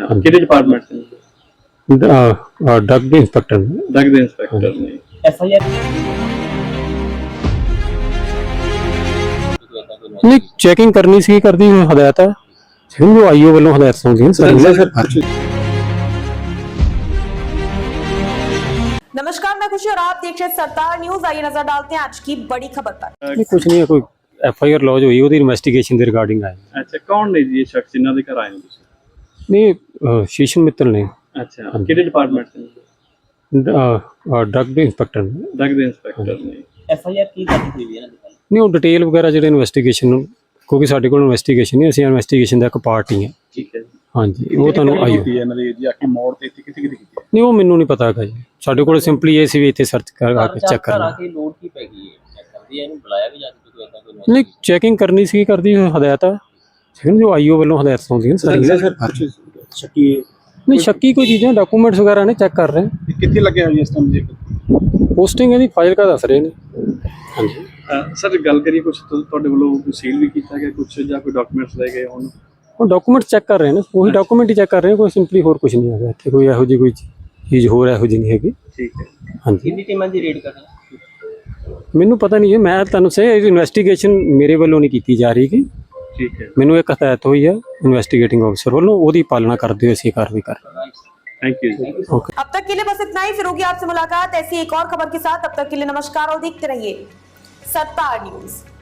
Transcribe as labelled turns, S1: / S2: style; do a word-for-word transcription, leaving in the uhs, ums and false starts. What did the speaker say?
S1: अच्छा किहड़े डिपार्टमेंट से?
S2: ड्रग ਦੇ ਇੰਸਪੈਕਟਰ ਨੇ।
S1: ड्रग ਦੇ इंस्पेक्टर ने।
S3: एफआईआर
S2: ਨਹੀਂ ਚੈਕਿੰਗ ਕਰਨੀ ਸੀ ਕਰਦੀ ਹਦਾਇਤ ਹੈ ਜਿਵੇਂ ਜੋ ਆਈਓ ਵੱਲੋਂ ਹਦਾਇਤ ਹੁੰਦੀਆਂ ਸਰ ਸਰ
S4: नमस्कार, मैं खुशी और आप देख रहे हैं सरदार न्यूज। आइए नजर डालते हैं आज की बड़ी खबर पर।
S2: नहीं कुछ नहीं है, कोई एफ आई आर लॉज हुई ਉਹਦੀ ਇਨਵੈਸਟੀਗੇਸ਼ਨ ਦੇ ਰਿਗਾਰਡਿੰਗ ਆਏ।
S1: अच्छा कौन ने जी ये शख्स जिन्हों के घर आए हो तुसीं?
S2: ਨਹੀਂ ਅਹ, ਸ਼ੀਸ਼ਨ ਮਿੱਤਲ ਨੇ
S1: अच्छा किहड़े डिपार्टमेंट से?
S2: ਡਰਗ ਦੇ ਇੰਸਪੈਕਟਰ ਨੇ।
S1: ड्रग ਦੇ इंस्पेक्टर ने।
S3: एफआईआर की करनी हुई है ना दुकान
S2: ਨਹੀਂ ਉਹ ਡਿਟੇਲ ਵਗੈਰਾ ਜਿਹੜੇ ਇਨਵੈਸਟੀਗੇਸ਼ਨ ਕਿਉਂਕਿ ਸਾਡੇ ਕੋਲ ਇਨਵੈਸਟੀਗੇਸ਼ਨ ਨਹੀਂ ਅਸੀਂ ਇਨਵੈਸਟੀਗੇਸ਼ਨ ਦਾ ਇੱਕ ਪਾਰਟ ਹੀ ਹਾਂ।
S1: ठीक है जी।
S2: ਹਾਂਜੀ ਉਹ ਤੁਹਾਨੂੰ ਆਈਓ
S1: ਇਹਨਾਂ ਦੀ ਜੀ ਆਕੀ ਮੋੜ ਤੇ ਇੱਥੇ ਕਿੱਥੇ ਕਿੱਥੇ ਕੀਤੀ?
S2: ਨਹੀਂ ਉਹ ਮੈਨੂੰ ਨਹੀਂ ਪਤਾ ਹੈਗਾ ਜੀ ਸਾਡੇ ਕੋਲ ਸਿੰਪਲੀ ਇਹ ਸੀ ਵੀ ਇੱਥੇ ਸਰਚ ਕਰਕੇ ਚੈੱਕ ਕਰਨਾ।
S3: के लोड की पै गई है चेक कर दिया इन्हें बुलाया भी जाके कोई ऐसा कोई
S2: ਨਹੀਂ ਚੈਕਿੰਗ ਕਰਨੀ ਸੀ ਕਰਦੀ ਹਦਾਇਤ ਹੈ ਜਿਵੇਂ ਜੋ ਆਈਓ ਵੱਲੋਂ ਹਦਾਇਤ ਹੁੰਦੀਆਂ ਸਾਰੀਆਂ।
S1: ਸਰ ਸ਼ੱਕੀ
S2: ਨਹੀਂ ਸ਼ੱਕੀ ਕੋਈ ਚੀਜ਼ਾਂ ਡਾਕੂਮੈਂਟਸ ਵਗੈਰਾ ਨੇ ਚੈੱਕ ਕਰ ਰਹੇ ਹਾਂ।
S1: ਕਿੱਥੇ ਲੱਗੇ ਹੋਏ ਇਸ ਟਾਈਮ ਜੀ?
S2: ਪੋਸਟਿੰਗ ਇਹਦੀ ਫਾਈਲ ਕਾ ਦੱਸ ਰਹੇ ਨੇ। ਹਾਂਜੀ
S1: ਸਰ ਗੱਲ ਕਰੀਏ ਕੁਝ ਤੁਹਾਡੇ ਵੱਲੋਂ ਸੀਲ ਵੀ ਕੀਤਾ ਗਿਆ ਕੁਝ ਜਾਂ ਕੋਈ ਡਾਕੂਮੈਂਟਸ ਲੈ ਗਏ ਹੁਣ?
S2: ਉਹ ਡਾਕੂਮੈਂਟ ਚੈੱਕ ਕਰ ਰਹੇ ਨੇ ਉਹੀ ਡਾਕੂਮੈਂਟ ਹੀ ਚੈੱਕ ਕਰ ਰਹੇ ਨੇ ਕੋਈ ਸਿੰਪਲੀ ਹੋਰ ਕੁਝ ਨਹੀਂ ਹੈਗਾ ਇੱਥੇ ਕੋਈ ਇਹੋ ਜਿਹੀ ਕੋਈ ਚੀਜ਼ ਹੋਰ ਇਹੋ ਜਿਹੀ ਨਹੀਂ ਹੈਗੀ।
S1: ਠੀਕ ਹੈ।
S2: ਹਾਂਜੀ
S3: कितनी टीमां दी रेड कर रहे हैं
S2: ਮੈਨੂੰ ਪਤਾ ਨਹੀਂ ਹੈ ਮੈਂ ਤੁਹਾਨੂੰ ਸੇ ਇਨਵੈਸਟੀਗੇਸ਼ਨ ਮੇਰੇ ਵੱਲੋਂ ਨਹੀਂ ਕੀਤੀ ਜਾ ਰਹੀ ਕਿ
S1: ਠੀਕ ਹੈ।
S2: ਮੈਨੂੰ ਇੱਕ ਹਦਾਇਤ ਹੋਈ ਹੈ ਇਨਵੈਸਟੀਗੇਟਿੰਗ ਅਫਸਰ ਵੱਲੋਂ ਉਹਦੀ ਪਾਲਣਾ ਕਰਦੇ ਹੋਏ ਅਸੀਂ ਕਾਰਵਾਈ ਕਰ ਰਹੇ ਹਾਂ।
S1: Thank you ji.
S2: ਓਕੇ
S4: अब तक के लिए बस इतना ही, फिर होगी आपसे मुलाकात ऐसी एक और खबर के साथ। तब तक के लिए नमस्कार और देखते रहिए सरदार न्यूज।